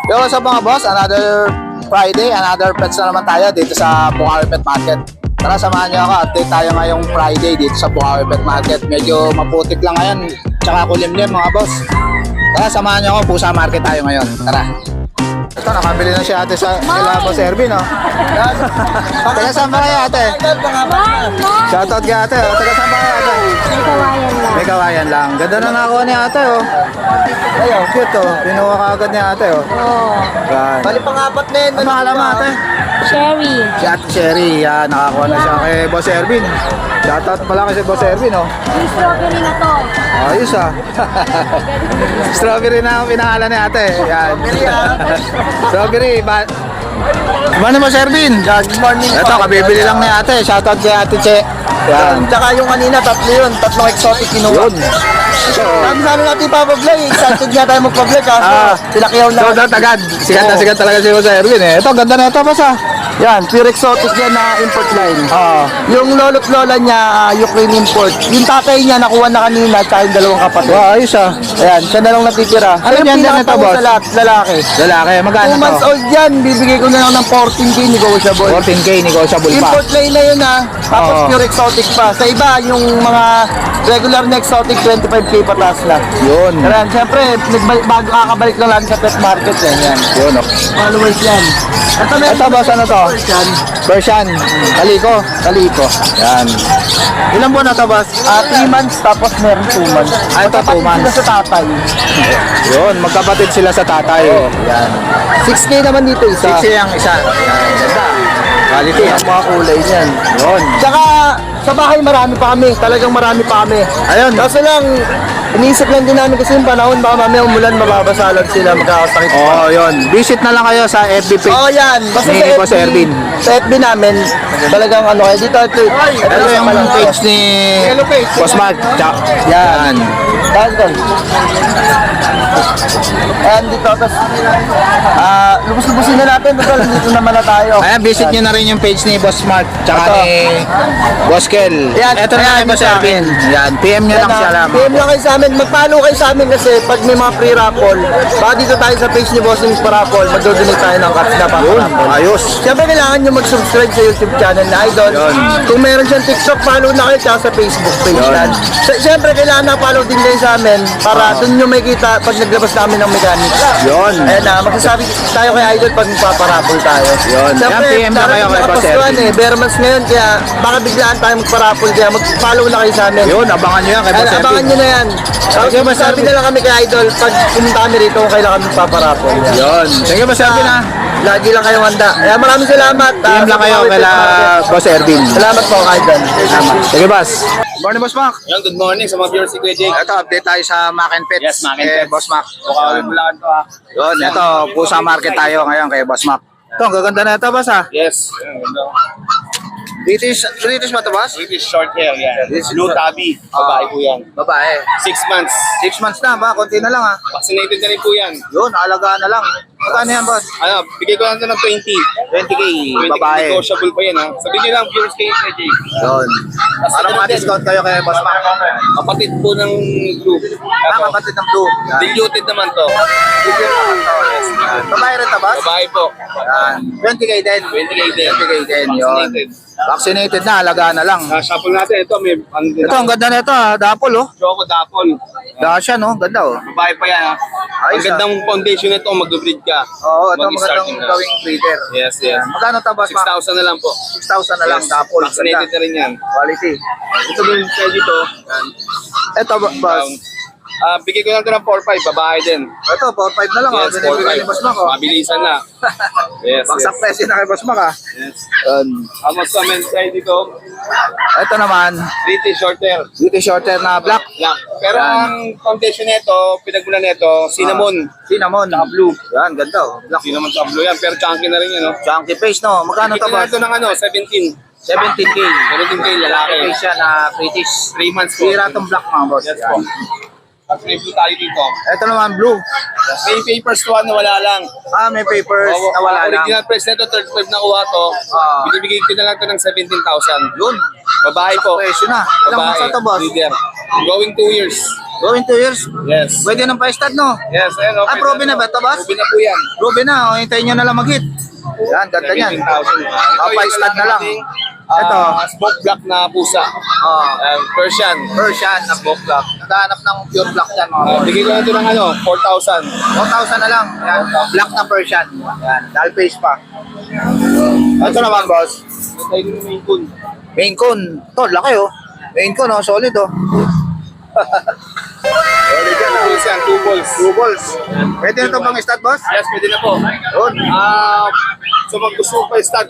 Yo, what's up mga boss? Another Friday, another pets na naman tayo dito sa Bukawi Pet Market. Tara, samahan niyo ako. Update tayo ngayong Friday dito sa Bukawi Pet Market. Medyo maputik lang ngayon, tsaka kulimlim mga boss. Tara, samahan niyo ako. Pusa Market tayo ngayon. Tara. Ito, nakabili na si ate sa kila Boss Ervin, no? Taga saan ba kayo, ate? Shoutout kay ate. Taga saan ba kayo, ate? May kawayan lang. May kawayan lang. Ganda na nakuha ni ate, oh. Ayaw, cute, oh. Pinuha ka agad ni ate, oh. Oo. Yan. Bali pang-apat na yun. Ano pangalan mo, ate? Sherry. Si Ate Sherry. Yan, nakakuha na siya kay Boss Ervin. Shoutout pala kay Boss Ervin, oh. Yung strawberry na to. Ayos, ah. Strawberry na ang pinahalan ni ate. Yan. Strawberry, ba? Ano mo, Sir Ervin? Good morning. Ito, kabibili lang ni ate. Shoutout kay Ate Che. Yan. Tsaka yung kanina, tatlo yun. Tatlong exotic kinuha. Yun. Sabi sa amin natin ipapablog. Excited nga tayo magpablog. Sinakiyaw So, lang. agad. Sigat na sigat talaga si Boss Ervin, eh. Ito, ganda na ito, boss, ah. Yan, pure exotic yan na import line. Oo. Yung lolo't lola niya, Ukraine import. Yung tatay niya, nakuha na kanina, tsaka yung dalawang kapatid. Wow, ayos, ah. Ayan, siya na lang natitira. Ano Yung yan, yan ito, pinakatawan boss? sa lahat, lalaki. Lalaki, magkano 2 months to? old yan, bibigay ko na lang ng 14K negotiable. 14K, negotiable pa. Import line na yun ha. Tapos Oo. pure exotic pa. Sa iba, yung mga regular na exotic, 25K pataas na. Yun. Kaya siyempre, bago kakabalik lang lagi sa pet market yan. Yun, oh. Followers yan. Ito, boss, ano to? Yan. Persian. Kaliko. Kaliko. Yan. Ilan buwan na to, boss? 3 months, tapos meron 2 months. Ah, ito, 2 months. Sila sa tatay. Yun, magkapatid sila sa tatay. Yan. 6K naman dito isa. 6 ang isa. Yan, ganda. Quality, ah. Ang mga kulay niyan. Yun. Tsaka, sa bahay marami pa kami. Talagang marami pa kami. Ayun. Kaso lang, iniisip lang din namin kasi yung panahon, baka mamaya umulan, mababasa lang sila, magkakasakit. Oh, yun. Visit na lang kayo sa FB page. Oo, yan. Basta Ni Boss Ervin. Sa FB namin, talagang ano, kaya dito, ito Ito yung page ni Boss Mark. Yan. Dahil doon. Ayan, dito, tapos, lubos-lubusin na natin, total, dito naman na tayo. Ayan, visit nyo na rin yung page ni Boss Mark tsaka Ito. ni Boss Kel. Yan, Ito na ayan, kay Boss sa Ervin. Yan, PM nyo lang siya lang. PM lang kayo sa amin, mag-follow kayo sa amin kasi pag may mga pre-raffle, baka dito tayo sa page ni Bossing pa-raffle, mag-donate tayo ng cards na pa-raffle. Ayos. Siyempre kailangan nyo mag-subscribe sa YouTube channel na Idol. Yun. Kung meron siyang TikTok, follow na kayo tsaka sa Facebook page Yun. yan. Siyempre kailangan na-follow din kayo sa amin para doon nyo makikita pag naglabas namin ng mechanics. Yun. Ayan na, magsasabi tayo kay Idol pag magpaparaffle tayo. Yun. Siyempre, Yan, PM na kayo kay Boss Ervin. Ervin. Bare months ngayon, kaya baka biglaan tayo magparaffle, kaya mag-follow na kayo sa amin. Yun, abangan nyo yan kay Boss Ayan, abangan Ervin. nyo na yan. Tapos Okay, Boss sabi Ervin. na lang kami kay Idol, pag pumunta kami rito, kung kailan kami paparapol. Yun. Thank you, Boss Ervin, ha. Lagi lang kayong handa. Kaya maraming salamat. PM lang kayo kay Boss Ervin. Salamat po, Idol. Sige, Boss. Good morning, Boss Mark. Yan, good morning sa mga viewers si Kuya Jake. Ito, update tayo sa Mac and Pets. Yes, Mac and kay Pets. Boss Mac. Bukawi Bulacan to ha. Yun, ito, Pusa Market tayo ngayon kay Boss Mac. Ito, ang gaganda na ito, Boss, ha. Yes. Yan, ganda. British ba ito, Boss? British short hair yan. This is Blue tabby. Babae po yan. Babae. 6 months. 6 months na ba? Konti na lang, ha. Vaccinated na rin po yan. Yun, alagaan na lang. Magkano yan, Boss? Ano, bigay ko lang ito ng 20. 20K, 20 babae. negotiable pa yan ha. Sabihin nyo lang viewers kay Kuya Jake. Yun. Para ma-discount kayo kay Boss Mac. Kapatid po ng group. Ah, kapatid ng Blue. Yan. Diluted naman to. Babae rin ito, Boss? Babae po. Yan. 20K din. 20K din. 20K din, yun. Vaccinated. Vaccinated na, alagaan na lang. Shuffle natin. Ito, may Ito, ang ganda na ito, ha. Dapol, oh. Choco Dapol. Dasha, no? Ganda, oh. Babae pa yan ha. Ang Ayos, gandang foundation nito, mag-breed ka. Oo, ito Mag-start magandang ka. gawing breeder. Yes, yes. Yan. Magkano ito, Boss Mac? 6,000 na lang po. 6,000 na lang, Yes. dapol. Vaccinated Ganda. na rin yan. Quality. Ito din kaya dito. Ito, Boss. Bigay ko lang ito ng 4-5, babae din. Ito, 4-5 na lang, oh. Yes, Binibigay ni Boss Mac, oh. Mabilisan na. Yes, Bagsak yes. presyo na kay Boss Mac, ha. Yes. Yan. Amos comment tayo dito, Ito naman, British short hair. beauty shorter na black. Black. Pero Yan. ang foundation nito, pinagmula nito, cinnamon. Cinnamon. Tsaka blue. Yan, ganda, oh. Black. Cinnamon sa blue yan, pero chunky na rin yun, no? Chunky face, no? Magkano ito, Bigyan Boss? natin ng ano, 17. 17K. 17K lalaki. Face siya na British. 3 months po. Sira itong black, mga boss. Yes Yan. po. At may blue tayo dito. Ito naman, blue. May papers to na wala lang. Ah, may papers na wala lang. Original price nito, 35 na kuha to. Ah. Binibigay ko na lang to ng 17,000. Yun. Babae po. Presyo na. Ilang months na to, boss? Leader. Going 2 years. Going 2 years? Yes. Pwede nang pa-stud, no? Yes, ayan. Okay, Ruby na ba ito, boss? Ruby na po yan. Ruby na, o, hintayin nyo na lang mag-hit. Yan, ganda yan. 17,000. Ito, Pa-stud na lang. Ito. Ito. Smoke black na pusa. Persian. Persian na smoke black. Naghahanap ng pure black yan, mga boss. Bigay ko na ito ng 4,000. 1,000 na lang. Yan. Black na Persian. Yan. Dull face pa. Ito naman, boss. Ito yung main coon. Maine Coon. Ito, laki oh. Maine Coon oh, solid oh. Solid yan. Balls yan. 2 balls. 2 balls. Pwede na ito bang stud, boss? Yes, pwede na po. Yun. So mag gusto mo pa stud,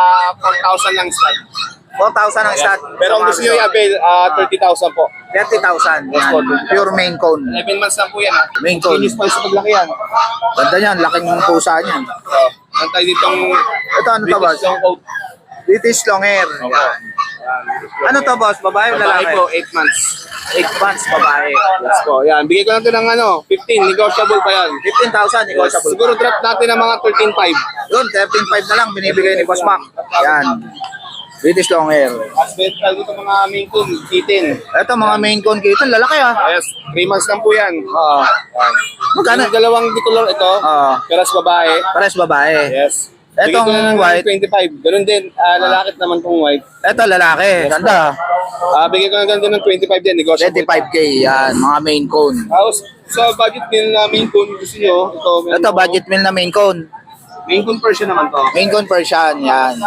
4,000 lang stud. 4,000 ang stud. Pero kung gusto nyo i-avail, 30,000 po. 30,000. Yes, Yan. po. Pure Maine Coon. 11 months lang po yan ha. Maine Coon. Kinis pa sa paglaki yan. Ganda yan, laking pusa niyan. So, antay ditong Ito, ano to, boss? British long coat. British long hair. Yan. Ano to, boss? Babae o Babae lalaki? po, 8 months. 8 months, babae. Yes po, yan. Bigay ko lang ito ng 15, negotiable pa yan. 15,000, Yes. negotiable. Siguro drop natin ng mga 13,500. Yun, 13,500 na lang binibigay ni Boss Mac. Yan. British long hair. As mental dito mga main coon, kitten. Ito, mga Maine Coon kito, lalaki ah. Yes, 3 months lang po yan. Oo. Magkano? Yung dalawang bicolor ito, peras babae. Pares babae. Yes. Etong Bigay ko na ng white. 25. Ganun din, lalakit naman tong white. Ito, lalaki. Ganda. Bigay ko na ganun din ng 25 din, negotiable. 25K, yan. Mga Maine Coon. Tapos, sa budget din na main coon, gusto nyo, ito, Ito, budget meal na Maine Coon. main coon version naman to. Maine Coon Persian, yan.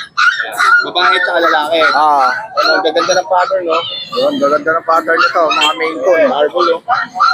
Babae at lalaki. Ah, Ang gaganda ng pattern, no? yun, gaganda ng pattern nito, mga Maine Coon. Marble, no?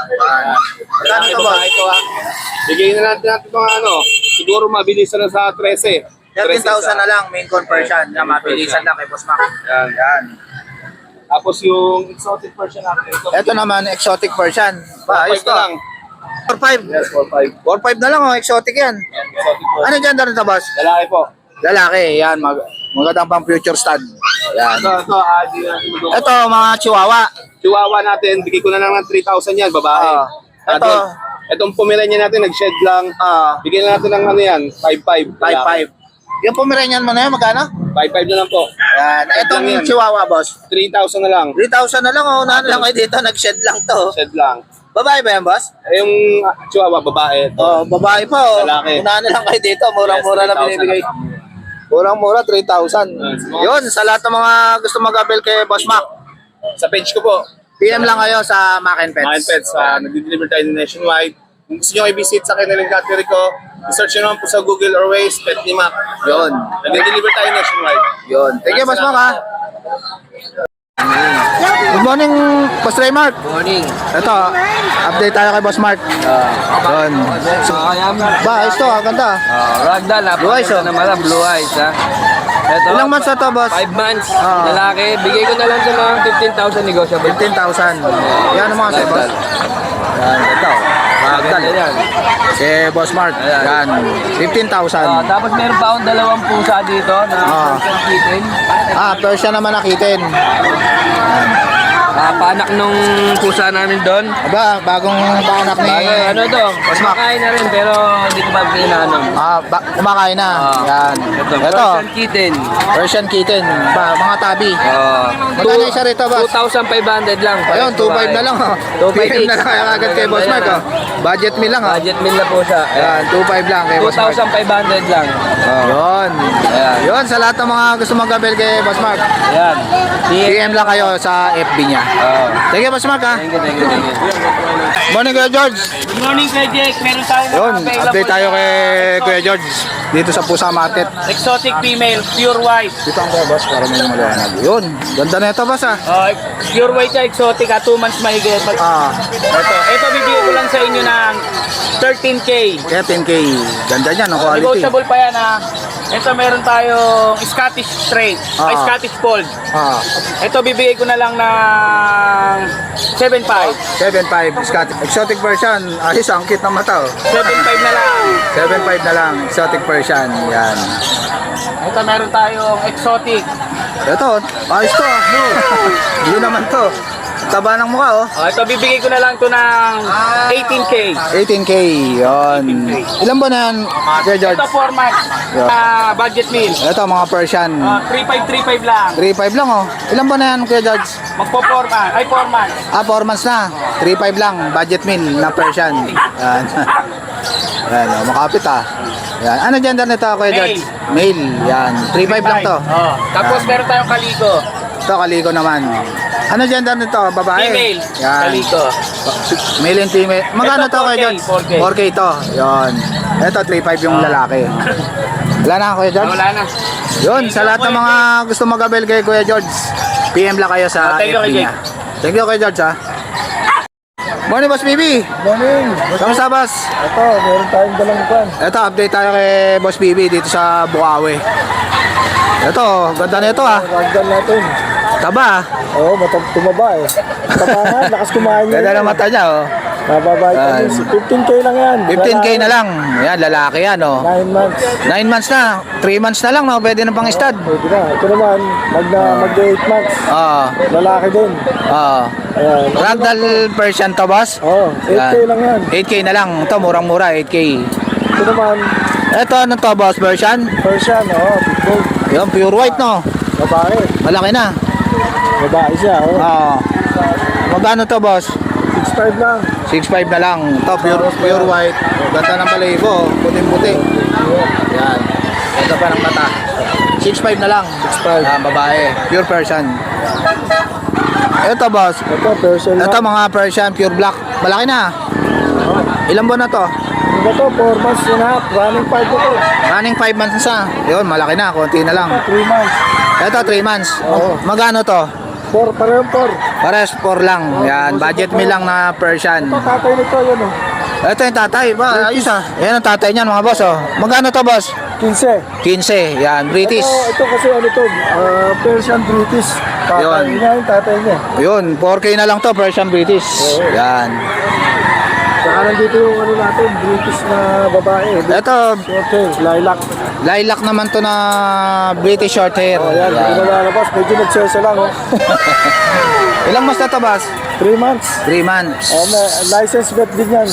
Magkano to, boss? Ito, bigay na natin mga siguro mabilis na sa 13. 13,000 na lang, Maine Coon Persian. Yan, mabilisan lang kay Boss Mac. Yan. Yan. Tapos yung exotic version natin. Ito naman, exotic Persian. Pa, ayos to. lang. 4,500. Yes, 4-5. 4,500 na lang, oh, exotic yan. Exotic version. Ano dyan rin to, boss? Lalaki po. Lalaki, yan. Magandang pang future stud. Yan. Ito, di natin mag- Ito, mga chihuahua. Chihuahua natin, bigay ko na lang ng 3,000 yan, babae. Ito. Itong Pomeranian natin, nag-shed lang. Bigyan na natin ng yan, 5,500. 5,500. Yung Pomeranian mo na yan, magkano? 5,500 na lang po. Yan. Itong Yan. chihuahua, boss. 3,000 na lang. 3,000 na lang, oh. Unahan lang kayo dito. Nag-shed lang to. Shed lang. Babae ba yan, boss? Yung Chihuahua, babae. Ito. Oh, babae pa, oh. Lalaki. Unahan na lang kayo dito. Murang-mura Yes, lang 3,000 binibigay. na. Murang-mura, 3,000. Yes. Yun, sa lahat ng mga gusto mag-avail kay Boss Mac, Sa page ko po, PM lang kayo sa Mac and Pets. Mind Pets, nag-deliver tayo nationwide. Kung gusto nyo i-visit sa kanilang cattery ko, i-search nyo naman po sa Google or Waze, Pet ni Mac. Yun. Nag-deliver tayo nationwide. Yun. Thank you, Boss Mac, ha. Good morning, Boss Raymark. Morning. Ito, update tayo kay Boss Mark. Yun. So, ba, ayos to, ganda. Ragdoll, Blue eyes, oh. naman, blue eyes, ha. Ito, Ilang months na to, boss? 5 months, Ah. lalaki. Bigay ko na lang sa mga 15,000 negotiable. 15,000. Yan ang mga sa'yo, boss. Yan, ito. Ragdoll. Ganda yan. Si Boss Mark. Yan, 15,000. Tapos meron pa akong dalawang pusa dito na Ah. Persian kitten. Persian naman nakitin. Panak nung pusa namin doon. Aba, bagong panak ni... Ano to? Kumakain na rin pero hindi ko pa pinanom. Kumakain na. Yan. Ito, Ito, Persian kitten. Persian kitten. Ba, mga tabi. Magkano isa rito, boss? 2,500 lang. Ayun, 2,500 na lang. 2,500 PM na lang kaya agad kay Boss Mark. Budget meal lang. Budget meal na po siya. Yan, 2,500 lang kay Boss Mark. 2,500 lang. Yun. Ayan. Yun, sa lahat ng mga gusto mag-avail kay Boss Mark, Ayan. PM lang kayo sa FB niya. Thank you, Boss Mark, ha. Thank you, thank you, thank you. Morning, Kuya George. Good morning, Kuya Jake. Meron tayo Yun, update tayo kay Kuya George dito sa Pusa Market. Exotic female, pure white. Dito ang kuya, boss, para may maliwanag. Yun, ganda na ito, boss, ha. Pure white siya, exotic, 2 months mahigit. Ito bibigyan ko lang sa inyo ng 13K. Kaya 10K. Ganda niyan, ang quality. Negotiable pa yan, ha. Ito meron tayong Scottish Straight, Scottish Fold. Ito bibigay ko na lang ng 7.5. 7.5 Scottish. Exotic version. Ayos, ang cute ng mata, oh. 7.5 na lang. 7.5 na lang. Exotic version. Yan. Ito meron tayong exotic. Ito, ayos to, ah. Blue. Blue naman to. Taba ng mukha, oh. Ito bibigay ko na lang to ng 18K. 18K, yun. Ilan ba na yan, Kuya George? Ito 4 months. Budget meal. Ito, mga Persian. 3.5 lang. 3.5 lang, oh. Ilan ba na yan, Kuya George? Magpo 4 months. Ay 4 months. 4 months na. 3.5 lang, budget meal na Persian. Yan. Yan, oh, makapit ah. Yan. Ano gender nito, Kuya George? Male. Yan. 3.5 lang to. Tapos meron tayong kaliko. Ito, kaliko naman. Ano gender nito? Babae? Female. Yan. Kaliko. Male and female. Magkano Ito, to, Kuya 4K, George? 4K. 4K ito. Yun. Ito, 3.5 yung lalaki. Wala na, Kuya George? Wala na. Yun, sa lahat ng mga gusto mag-abel kay Kuya George, PM lang kayo sa Thank you, FB Kuya niya. Thank you, Kuya George, ha. Morning, Boss BB. Morning. Kamusta, Boss? Ito, meron tayong dalang kwan. Ito, update tayo kay Boss BB dito sa Bukawi. Ito, ganda na ito, ha. Ragdan natin. Taba, ha. Oo, tumaba eh. Taba nga, lakas kumain niya. Ganda ng mata niya, oh. Mababay ka Yan. 15K lang yan. 15K na lang. Yan, lalaki yan, oh. 9 months. 9 months na. 3 months na lang, no? Pwede na pang stud. Pwede na. Ito naman, mag-8 months. Oo. Lalaki din. Oo. Ayan. Ragdoll Persian to, Boss? Oo, 8K lang yan. 8K na lang. Ito, murang-mura, 8K. Ito naman, Ito, ano to, Boss? Persian? Persian, big gold. Yung pure white, no? Babae. Malaki na. Babae siya, Oo. Magkano to, Boss? 6'5 lang. 6.5 na lang. Ito, pure white. Ganda ng balahibo. Puting-puti. Yan. Ganda pa ng mata. 6.5 na lang. 6.5. Yan, babae. Pure Persian. Ito, Boss. Ito, Persian lang. Ito, mga Persian, pure black. Malaki na. Ilang buwan na to? Ito, 4 months and a half. Running 5 ito. Running 5 months na. Yun, malaki na. Konti na lang. 3 months. Ito, 3 months. Oo. Magkano to? 4, parehong 4. Pares 4 lang. Yan, budget meal lang na Persian. Ito, tatay nito, yun oh. Ito yung tatay. Ba, ayos ah. Yan ang tatay niyan, mga boss, oh. Magkano to, boss? 15. 15. Yan, British. Ito kasi ano to, Persian British. Tatay Yun. niya yung tatay niya. Yun, 4K na lang to, Persian British. Yan. Saka nandito yung ano natin, British na babae. Ito, Okay, lilac. lilac naman to na British short hair. O yan, hindi Yan. na lalabas. Medyo nagsesa lang oh. Ilang months na to, boss? 3 months. 3 months. May license vet din yan.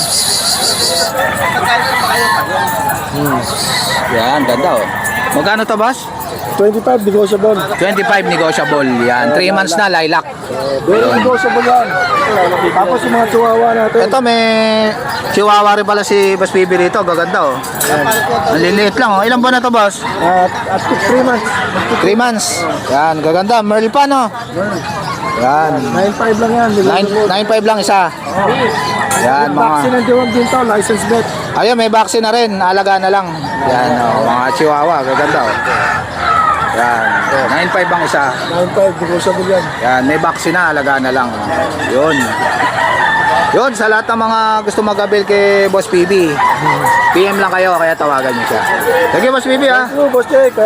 Yan, ganda, oh. Magkano to, boss? 25 negotiable. 25 negotiable. Yan, 3 months na, lilac. Very negotiable yan. Tapos yung mga chihuahua natin. Ito, may chihuahua rin pala si Boss Bibi rito. Gaganda, oh. Ang liliit lang, oh. Ilang buwan na to, boss? At 3 months. 3 months. Yan, gaganda. Merl pa, no? Yan. 9.5 lang yan. 9.5 lang isa. Yan, Vaccine mga... and deworm din to, license vet. Ayun, may vaccine na rin. Alaga na lang. Yan, oh. Mga chihuahua. Gaganda, oh. Yan. 9.5 ang isa. 9.5 negotiable yan. Yan, may vaccine na. Alaga na lang. Yun. Yun, sa lahat ng mga gusto mag-avail kay Boss PB, PM lang kayo, kaya tawagan niyo siya. Thank you, Boss PB, ha. Thank you, Boss Jake.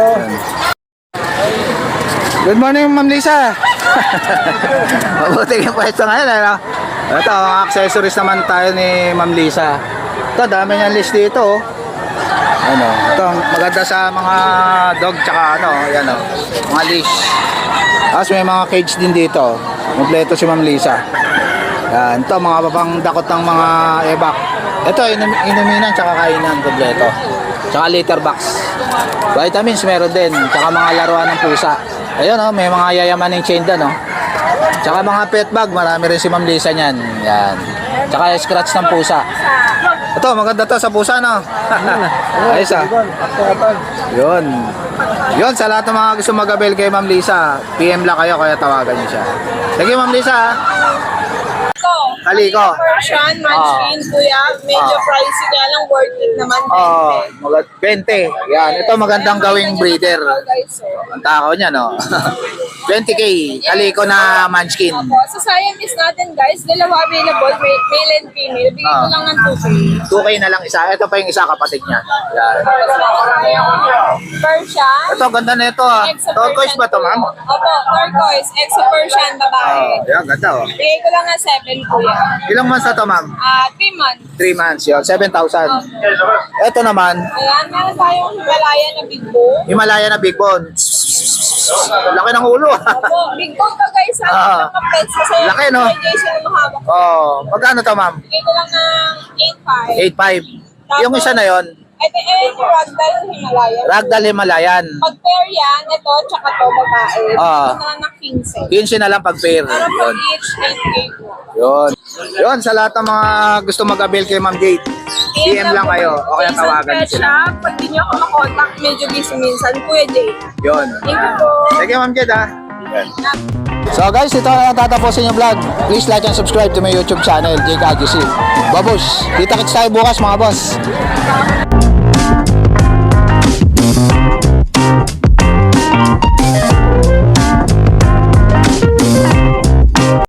Good morning, Ma'am Lisa. Mabuti yung pwesto ngayon, ano? Ito, mga accessories naman tayo ni Ma'am Lisa. Ito, dami niyang list dito, oh. Ano, ito, maganda sa mga dog, tsaka ano, yan, oh, mga leash. Tapos may mga cage din dito. Kompleto si Ma'am Lisa. Yan, ito, mga papang dakot ng mga ebak. Ito, inuminan, tsaka kainan, kompleto. Tsaka litter box. Vitamins meron din, tsaka mga laruan ng pusa. Ayun, oh, may mga yayamaning chain doon, oh. Tsaka mga pet bag, marami rin si Ma'am Lisa niyan. Yan. Tsaka scratch ng pusa. Ito, maganda to sa pusa, no? Ayos, ah. Yun. Yun, sa lahat ng mga gusto mag-avail kay Ma'am Lisa, PM lang kayo, kaya tawagan niyo siya. Sige, Ma'am Lisa, ah. Kaliko. Persian, Munchkin, kuya. Medyo pricey nga lang, worth it naman. Oh, 20. Yan, ito magandang gawing breeder. Guys, so. Ang takaw niya, no? 20K, kaliko na munchkin. Opo, sa Siamese natin guys, dalawa available, male and female. Bigay ko lang ng 2K. 2K na lang isa. Ito pa yung isa kapatid niya. Yan. Persian. Ito, ganda na ito, ah. Exo Turquoise ba to, ma'am? Opo, turquoise. Exo Persian, babae. Oh, yan, ganda, oh. Bigay ko lang ng 7, kuya. Ilang months na to, ma'am? 3 months. 3 months, yun. 7,000. Ito naman, Ayan, meron tayong Himalaya na big bone. Himalaya na big bone. Laki ng ulo. Opo, big bone to guys sa Ah. mga pets kasi Laki, no? radiation ang mahawak. Oh, magkano to, ma'am? Bigay ko lang ng 8.5. 8.5. Yung isa na yon, Ito yung Ragdoll Himalayan. Ragdoll Himalayan. Pag pair yan, ito, tsaka to, babae. Ah. Ito na ng 15. 15 na lang pag pair. Pero Yun. pag each, 8K po. Yun. Yun, sa lahat ng mga gusto mag-avail kay Ma'am Jade, PM lang kayo. O kaya tawagan Minsan sila. siya, pag di niyo ako makontakt, medyo busy minsan. Kuya Jay. Yun. Thank you po. Sige, Ma'am Jade, ha? So guys, ito na tatapusin yung vlog. Please like and subscribe to my YouTube channel, Jake Agusi. Babush, kita-kits tayo bukas mga boss.